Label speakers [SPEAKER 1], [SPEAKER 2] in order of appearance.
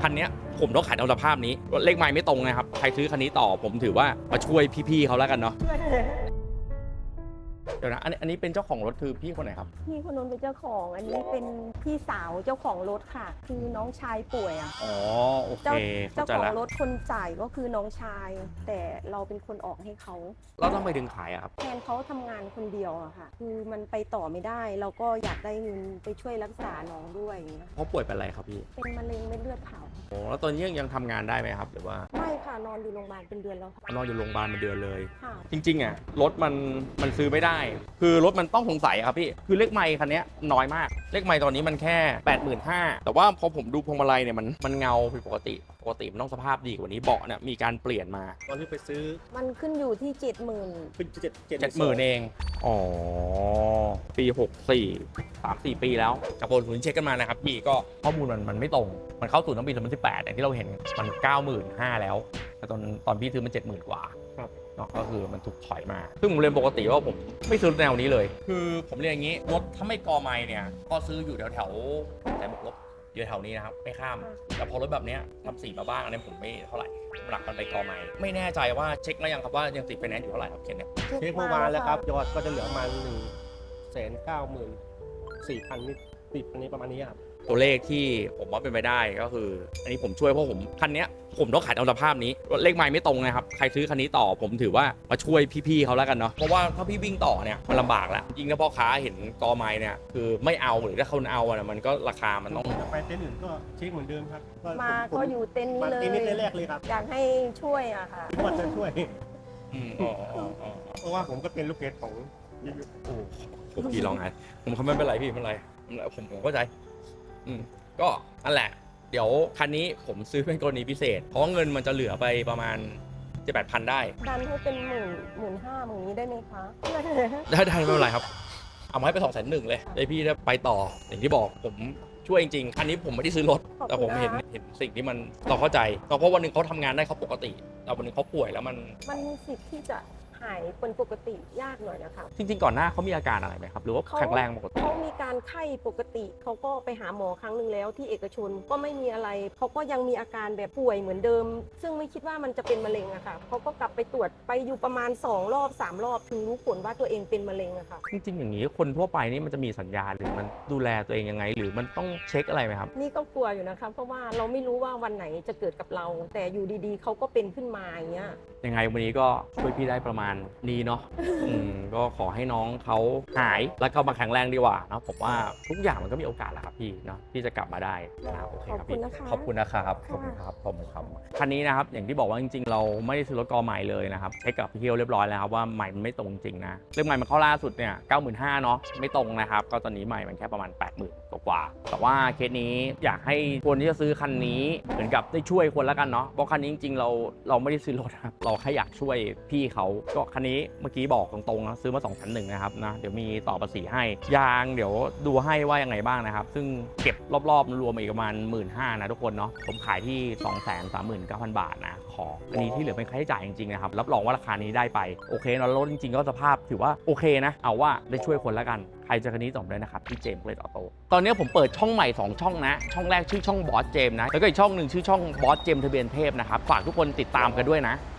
[SPEAKER 1] คันนี้ผมต้องขายตามสภาพนี้เลขไมล์ไม่ตรงนะครับใครซื้อคันนี้ต่อผมถือว่ามาช่วยพี่ๆเขาแล้วกันเนาะเดี๋ยวนะอันนี้เป็นเจ้าของรถคือพี่คนไหนครับ
[SPEAKER 2] พี่คนนู้นเป็นเจ้าของอันนี้เป็นพี่สาวเจ้าของรถค่ะคือน้องชายป่วยอ่ะ
[SPEAKER 1] อ๋อโอเค
[SPEAKER 2] เจ้าของรถคนจ่ายก็คือน้องชาย แต่เราเป็นคนออกให้เขา
[SPEAKER 1] แล้วทำไมถึงขายอะครับ
[SPEAKER 2] แทนเขาทำงานคนเดียวอะค่ะคือมันไปต่อไม่ได้เราก็อยากได้เงินไปช่วยรักษาน้องด้วยอย่างเงี้ย
[SPEAKER 1] เขาป่วยเป็นอะไรครับพี่
[SPEAKER 2] เป็นมะเร็งเม็ดเลือดขาว
[SPEAKER 1] โอ้แล้วตอนนี้ยังทำงานได้ไหมครับหรือว่า
[SPEAKER 2] ไม่ค่ะนอนอยู่โรงพยาบาลเป็นเดือนแล้ว
[SPEAKER 1] นอนอยู่โรงพยาบาลเป็นเดือนเลย
[SPEAKER 2] ค่ะ
[SPEAKER 1] จริงๆอะรถมันซื้อไม่ได้คือรถมันต้องสงสัยครับพี่คือเลขไมล์คันนี้น้อยมากเลขไมล์ตอนนี้มันแค่ 85,000 แต่ว่าพอผมดูพวงมาลัยเนี่ยมันเงาผิดปกติมันต้องสภาพดีกว่านี้เบาะเนี่ยมีการเปลี่ยนมา
[SPEAKER 3] ตอนที่ไปซื้อ
[SPEAKER 2] มันขึ้นอยู่ที่70,000
[SPEAKER 3] ขึ้น
[SPEAKER 1] 70,000เองอ๋อปี64 3-4 ปีแล้วจากบนศูนย์เช็คกันมานะครับพี่ก็ข้อมูลมันไม่ตรงมันเข้าสู่ตั้งปี2018อย่างที่เราเห็นมัน 95,000 แล้วแต่ตอนพี่ซื้อมัน70,000 กว่าเนาะก็คือมันถูกถอยมาซึ่งผมเรียนปกติว่าผมไม่ซื้อแนวนี้เลยคือผมเรียนอย่างนี้รถถ้าไม่กอไมล์เนี่ยก็ซื้ออยู่แถวแต่บวกลบอยู่แถวนี้นะครับไม่ข้ามแต่พอรถแบบนี้ทำสีมาบ้างอันนี้ผมไม่เท่าไหร่หลักมันไปกอไมล์ไม่แน่ใจว่าเช็คแล้วยังครับว่ายังติดไฟแนนซ์อยู่เท่าไหร่ครับเคนเนี่ย
[SPEAKER 3] เช็คเมื่อวานแล้วครับยอดก็จะเหลือประมาณ194,000นิดติดอันนี้ประมาณนี้ครับ
[SPEAKER 1] ตัวเลขที่ผมว่าเป็นไปได้ก็คืออันนี้ผมช่วยเพราะผมคันนี้ผมต้องขายตามสภาพนี้เลขไมล์ไม่ตรงนะครับใครซื้อคันนี้ต่อผมถือว่ามาช่วยพี่ๆเขาแล้วกันเนาะเพราะว่าถ้าพี่วิ่งต่อเนี่ยมันลำบากแล้วยิ่งถ้าพ่อค้าเห็นกอไมล์เนี่ยคือไม่เอาหรือถ้าเขาเอาอะมันก็ราคามันต้อง
[SPEAKER 3] ไปเต็นท์อื่นก็เช็คเหมือนเดิมครับ
[SPEAKER 2] มาก็อยู่เต็นท์นี้เลย
[SPEAKER 3] เต็นท์นี้แรกเลยครับ
[SPEAKER 2] อยากให้ช่วยอะค่ะ
[SPEAKER 3] ว่าจะช่วย
[SPEAKER 1] อ๋อ
[SPEAKER 3] เพราะว่าผมก็เป็นลูกเพจของ
[SPEAKER 1] โอ้ผมพี่ลองไงผมเขาไม่เป็นไรพี่ไม่เป็นไรผมเข้าใจก็นั่นแหละเดี๋ยวคันนี้ผมซื้อเป็นกรณีพิเศษเพราะเงินมันจะเหลือไปประมาณ 7-8,000 ได้
[SPEAKER 2] ดันให้เป็น15,000อย่างนี้ได้ไหมคะ
[SPEAKER 1] ได้ไม่เป็นไรครับเอามาให้ไป201,000เลยได้พี่ได้ไปต่ออย่างที่บอกผมช่วยจริงๆคันนี้ผมไม่ได้ซื้อรถแต่ผมเห็นสิ่งที่มันเราเข้าใจเพราะวันหนึ่งเขาทำงานได้เขาปกติแต่วันหนึ่งเขาป่วยแล้ว
[SPEAKER 2] มันมีสิทธิ์ที่จะหายเป็นปกติยากหน่อยนะคะ
[SPEAKER 1] จริงๆก่อนหน้าเขามีอาการอะไรไหมครับหรือว่าแข็งแรงปกติ
[SPEAKER 2] เขามีการไข้ปกติเขาก็ไปหาหมอครั้งหนึ่งแล้วที่เอกชนก็ไม่มีอะไรเขาก็ยังมีอาการแบบป่วยเหมือนเดิมซึ่งไม่คิดว่ามันจะเป็นมะเร็งอะค่ะเขาก็กลับไปตรวจไปอยู่ประมาณ2 รอบ 3 รอบถึงรู้ผลว่าตัวเองเป็นมะเร็งอะค่ะ
[SPEAKER 1] จริงๆอย่างนี้คนทั่วไปนี่มันจะมีสัญญาณหรือมันดูแลตัวเองยังไงหรือมันต้องเช็คอะไรไหมครับ
[SPEAKER 2] นี่ก็กลัวอยู่นะคะเพราะว่าเราไม่รู้ว่าวันไหนจะเกิดกับเราแต่อยู่ดีๆเขาก็เป็นขึ้นมาอย่างเงี้ย
[SPEAKER 1] ยังไงวันนี้ก็ช่วยพี่ได้ประมาณนี้เนาะก็ขอให้น้องเขาหายแล้วก็มาแข็งแรงดีกว่านะผมว่าทุกอย่างมันก็มีโอกาสแหละครับพี่เนาะที่จะกลับมาได้นะโอเคครับพี่ขอบคุณนะครับขอบคุณครับผมครับคันนี้นะครับอย่างที่บอกว่าจริงๆเราไม่ได้ซื้อรถกอใหม่เลยนะครับเช็คกับพี่เคียวเรียบร้อยแล้วครับว่าใหม่มันไม่ตรงจริงนะเรื่องใหม่มันเข้าล่าสุดเนี่ย 95,000 เนาะไม่ตรงนะครับก็ตอนนี้ใหม่มันแค่ประมาณ 80,000 กว่าแต่ว่าเคสนี้อยากให้คนที่จะซื้อคันนี้เหมือนกับได้ช่วยคนแล้วกันเนาะเพราะคันนี้จริงๆเราไม่ได้ซื้อรถครับเราแค่อยากช่วยพี่เขาก็คันนี้เมื่อกี้บอกตรงๆนะซื้อมา2,100นะครับนะเดี๋ยวมีต่อภาษีให้ยางเดี๋ยวดูให้ว่ายังไงบ้างนะครับซึ่งเก็บรอบๆรวมอีกประมาณ 15,000 นะทุกคนเนาะผมขายที่ 239,000 บาทนะขออันนี้ที่เหลือเป็นค่าใช้จ่ายจริงๆนะครับรับรองว่าราคานี้ได้ไปโอเคเนาะรถจริงๆก็สภาพถือว่าโอเคนะเอาว่าได้ช่วยคนแล้วกันใครจะคันนี้ส่งได้นะครับที่เจมส์เลดออโต้ตอนนี้ผมเปิดช่องใหม่2ช่องนะช่องแรกชื่อช่องบอสเจมส์นะแล้วก็อีกช่องหนึ่งชื่อช่องบอสเจมส์ทะเบียนเทพนะครับฝากทุกคนติดตามกันด้วยนะ